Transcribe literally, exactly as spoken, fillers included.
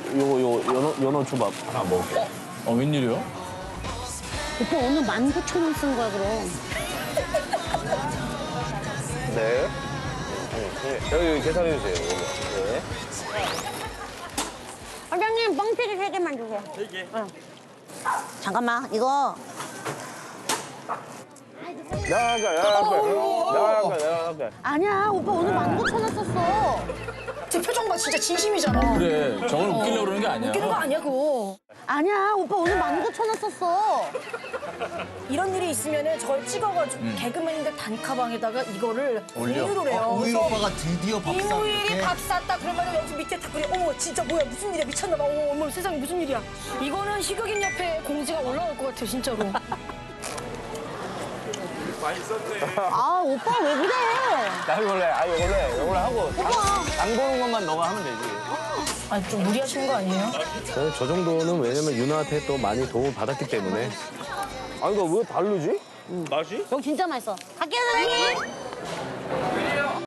요거 요 연어 연어 초밥 하나 먹을게. 어, 웬일이요? 오빠 오늘 만 구천 원 쓴 거야, 그럼. 네. 네. 여기 계산해 주세요. 여기. 네. 사장님, 뻥튀기 세 개만 주세요. 세 개? 응. 잠깐만, 이거. 내가 할게, 내가 할게. 내가 할게, 내가 할게. 아니야, 오빠 오늘 만 구천 원 썼어. 제 표정 봐, 진짜 진심이잖아. 그래, 저걸 웃기려고 그러는 게 아니야. 웃기는 거 아니야, 그거. 아니야, 오빠 오늘 만 구천 원 썼어. 이런 일이 있으면은 저걸 찍어가지고 개그맨들 단카방에다가 이거를 올려. 공유를 해요. 우일 그래서 오빠가 드디어 밥 사. 이무일이 밥 쌌다 그러면 여기 밑에 댓글이 어머 진짜 뭐야 무슨 일이야 미쳤나 봐 어머 어머 세상에 무슨 일이야 이거는 희극인 옆에 공지가 올라올 것 같아 진짜로. 아, 오빠 왜 그래? 나 이걸로 해. 아, 이걸로 해. 이걸로 하고. 장, 장 보는 것만 너가 하면 되지. 아니 좀 무리하시는 거 아니에요? 저는 저 정도는 왜냐면 유나한테 또 많이 도움을 받았기 때문에. 아, 이거 왜 다르지? 맛이? 여기 진짜 맛있어. 갈게요, 사장님.